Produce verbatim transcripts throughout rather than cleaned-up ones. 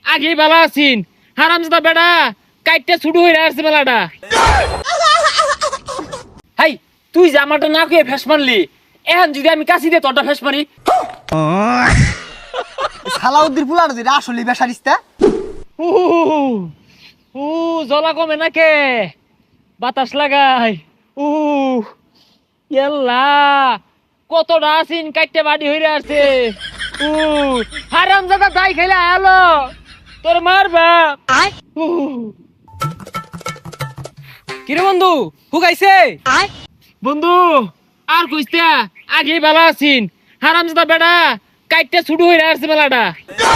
আগে ভালো আছিন হারামজাদা বেড়া কাইটটা ছুটু হয়ে আসছে মেলাটা। হাই তুই জামাটা না কয়ে ফেস মারলি, এখন যদি আমি কাছি দিয়ে তোরটা ফেস মারি। সালাউদ্দিন পুলার যে আসলে বেসারিস্তা উ উ জলা কমে নাকে বাতাস লাগাই। উ ইয়াল্লা কতটা আসিন কাইটটা বাড়ি হইরে আসছে। উ হারামজাদা দাই খাইলে আলো তোর মারবা। কিরে বন্ধু হুকাইছে? বন্ধু আর কইতে আগে ভালো আছিন হারামজাদা বেড়া কাইটটা ছুটু হইরে আসছে মেলাটা।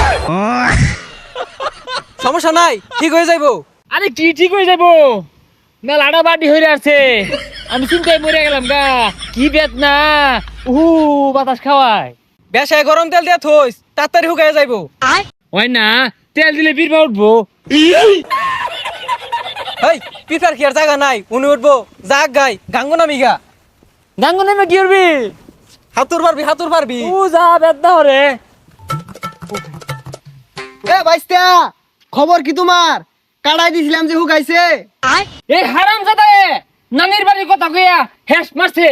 সমস্যা নাই, ঠিক হয়ে যাইবো। আরে কি ঠিক হয়ে যাবো, মেলাটা বাড়ি হইরে আসছে, আমি চিন্তায় মরে গেলাম গা। কি বেত না উহু বাতাস খাওয়ায়। বেশায় গরম তেল দিয়া থইস, তাড়াতাড়ি হুকাই যাইবো। হয় না তেল দিলে বীরবা উঠবো। হেই পিতার কি আর জায়গা নাই, উনি উঠবো জাগ গাই গাঙ্গো নামি গা। গাঙ্গ নেমে কি করবি? হাতুর পারবি হাতুর পারবি। ও যা বেত না হরে। এ বাইস্তা খবর কি তোমার? কাড়াই দিছিলাম যে হুকাইছে। এই হারামজাদা নানির বাড়ির কথা কইয়া হেস মারছে।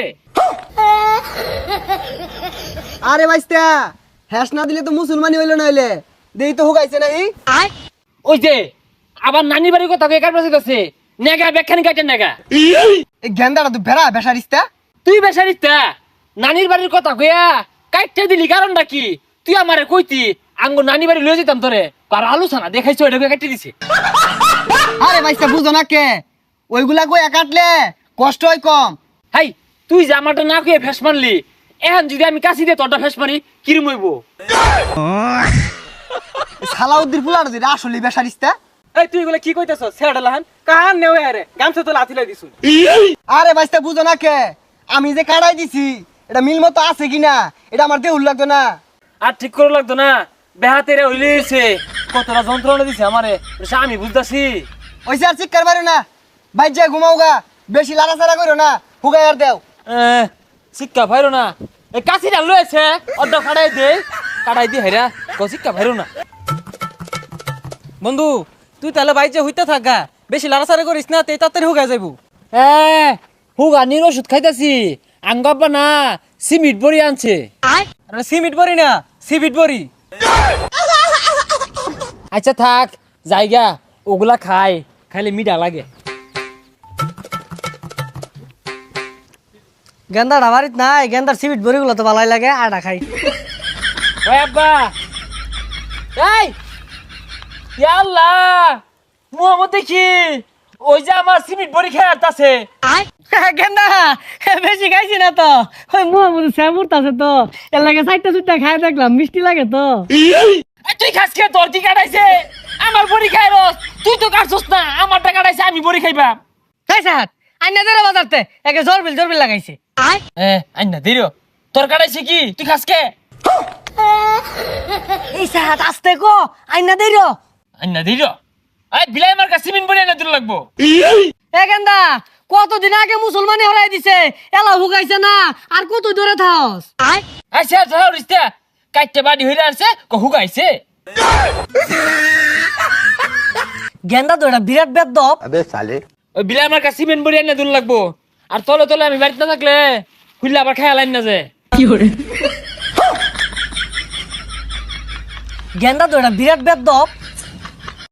আরে বাইস্তা হ্যাস না দিলে তো মুসলমানি হইলো নইলে দেই তো হুকাইছে নাই। ওই যে আবার নানির বাড়ির কথা কইয়া কাটবাছে গেছে নেগা বেখানি কাটেন নেগা। এই গেন্দাটা তো বেড়া বেসারিস্তা। তুই বেসারিস্তা নানির বাড়ির কথা কইয়া কাটতে দিলি কারণটা কি? তুই আমারে কইতি আঙ্গ নানি বাড়ি লয়ে যেতাম তোরে, আর আলোচনা দেখাইছো এটা কাটতে দিছে। আরে বাইস্তা বুঝো না কে ওইগুলা কইয়া কাটলে কষ্ট হয় কম। হাই তুই জামাটা না কইয়া ফেস মারলি, এখন যদি আমি কাছি দিয়ে তোরটা ফেস মারি কিরম হইব? সালাউদ্দিন পুলার যে আসলে বেসারিস্তা। এই তুই এগুলা কি কইতেছ? ছেড়া লাহান কাহান নেও আরে গামছা তো লাথিলাই দিছু। আরে বাইস্তা বুঝো না কে আমি যে কাড়াই দিছি এটা মিল মতো আছে কিনা এটা আমার দেহুল লাগতো না। আর ঠিক করে লাগতো না, বেহাতেরে হইলেছে কতটা যন্ত্রণা দিছে আমারে, এটা আমি বুঝতাছি। ওইসে আর চিৎকার মারো না, বাইর যা ঘুমাও গা, বেশি লাড়াচাড়া করো না, হুগাই আর দেও। শিক্ষা ভাইরো না এই কাছিটা লয়েছে অর্ধ কাটাই দে কাটাই দি হেরা কো শিক্ষা ভাইরো না। বন্ধু তুই তাহলে বাইজে হইতে থাকা, বেশি লাড়াচাড়া করিস না, তেই তাড়াতাড়ি হুকাই যাইবো। হ্যাঁ হুগানির ওষুধ খাইতাছি, আঙ্গাব্বা না সিমিট বড়ি আনছে। আরে সিমিট বড়ি না সিবিট বড়ি। আচ্ছা থাক জায়গা ওগুলা খাই, খাইলে মিঠা লাগে। গেন্দাটা বাড়িত নাই, গেন্দার সিবিট বড়িগুলো তো ভালাই লাগে, আটা খাই। ওই আব্বা এই ইয়া আল্লাহ মুহাম্মদ দেখি ওই যে আমার সিমিট বড়ি খেয়ে আসতাছে। গেন্দা বেশি খাইছি না তো, ওই মুহাম্মদ শ্যামুর আছে তো এর লাগে চারটা চুটটা খাই দেখলাম, মিষ্টি লাগে তো। তুই খাস খেয়ে তোর কি কাটাইছে? আমার বড়ি খাই রস, তুই তো কাটছস না, আমারটা কাটাইছে আমি বড়ি খাইবা। খাই স্যার আইনা দেরে বাজারতে একে জরবিল জরবিল লাগাইছে। এ আইনা দিরো তোর কাটাইছে কি তুই খাস কে? এই স্যার আস্তে কো আইনা দেরো আইনা দিরো এই বিলাই আমার কাছে সিমিট বড়ি আইনা দিল লাগবো। এ গেন্দা কতদিন আগে মুসলমানি হরাই দিছে, এলা হুকাইছে না আর কত দূরে থাকস। আচ্ছা যাও রিস্তা কাইতে বাড়ি হইরা আসছে কো হুগাইছে। গেন্দা তো এটা বিরাট বেদব। ওই বিলাই আমার কাছে সিমেন্ট বড়ি আইনা দিল লাগবো, আর তলে তলে আমি বাড়িতে না থাকলে খুললে আবার খেয়াল আইন না যে। গেন্দা তো এটা বিরাট বেদব।